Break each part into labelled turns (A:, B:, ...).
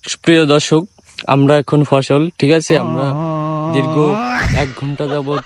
A: প্রিয় দর্শক, আমরা এখন ফসল, ঠিক আছে, আমরা দীর্ঘ 1 ঘন্টা যাবত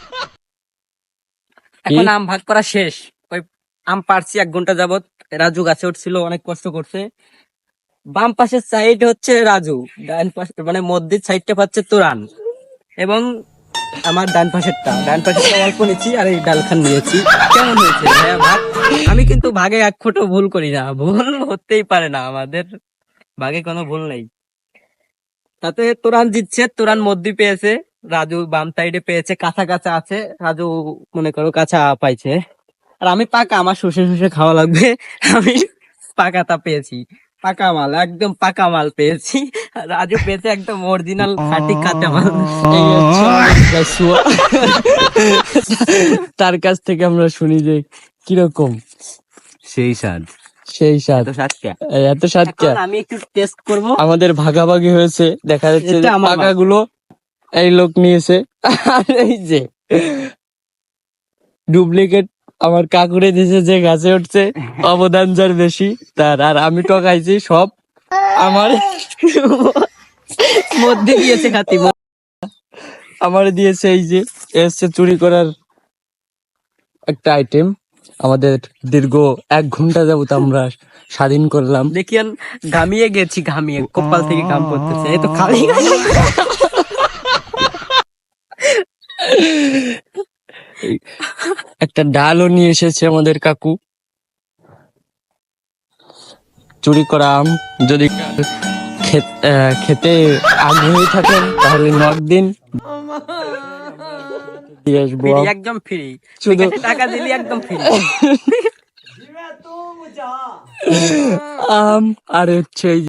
B: এখন আম ভাগ করা শেষ। ওই আম পারছি 1 ঘন্টা যাবত। রাজু গাছে উঠছিল, অনেক কষ্ট করছে। বাম পাশের সাইড হচ্ছে রাজু, ডান পাশে মানে মধ্যের সাইডটা পাচ্ছে তোরান, এবং আমার ডান পাশেরটা অল্প নিচ্ছি, আর এই ডালখান নিয়েছি। কেমন হয়েছে ভাইয়া ভাগ? আমি কিন্তু ভাগে এক ফোঁটা ভুল করি না, ভুল হতেই পারে না, আমাদের ভাগে কোনো ভুল নেই। তাতে তোরান জিতছে, তোরান মধ্যে পেয়েছে, রাজু বাম সাইডে পেয়েছে, কাঁচা কাঁচা আছে, রাজু মনে করো কাঁচা পাইছে, আর আমি পাকা, আমার শুষে শুষে খাওয়া লাগবে। আমি পাকাটা পেয়েছি, পাকা মাল, একদম পাকা মাল পেয়েছি। আর রাজু পেয়েছে একদম অরিজিনাল খাঁটি কাঁচা মাল।
A: এই হচ্ছে আমাদের গাছুয়া। তার কাছ থেকে আমরা শুনি যে কিরকম
B: সেই স্বাদ,
A: সেই স্বাদ, এত স্বাদ কে।
B: আমি একটু টেস্ট করব।
A: আমাদের ভাগাভাগি হয়েছে, দেখা যাচ্ছে
B: এটা আমার
A: পাকা গুলো এই লোক নিয়েছে, আর এই যে ডুপ্লিকেট আমার কাকুরে দিয়েছে, যে গাছে উঠছে অবদান যার বেশি তার, আর আমি টকাইছি সব আমার
B: মধ্যে গিয়েছে খাতি।
A: আমার দিয়েছে। এই যে এসছে চুরি করার একটা আইটেম। আমাদের দীর্ঘ 1 ঘন্টা যাবত আমরা স্বাধীন করলাম।
B: দেখিয়ান ঘামিয়ে গেছি, ঘামিয়ে কপাল থেকে ঘাম পড়তেছে, এই তো খালি
A: একটা ডালও নিয়ে এসেছে আমাদের কাকু। চুরি করা আম যদি খেতে আগ্রহী থাকেন তাহলে নক দিন, দিয়ে আসবো।
B: একদম ফ্রি,
A: শুধু
B: টাকা দিলি একদম ফ্রি।
A: আম আর হচ্ছে এই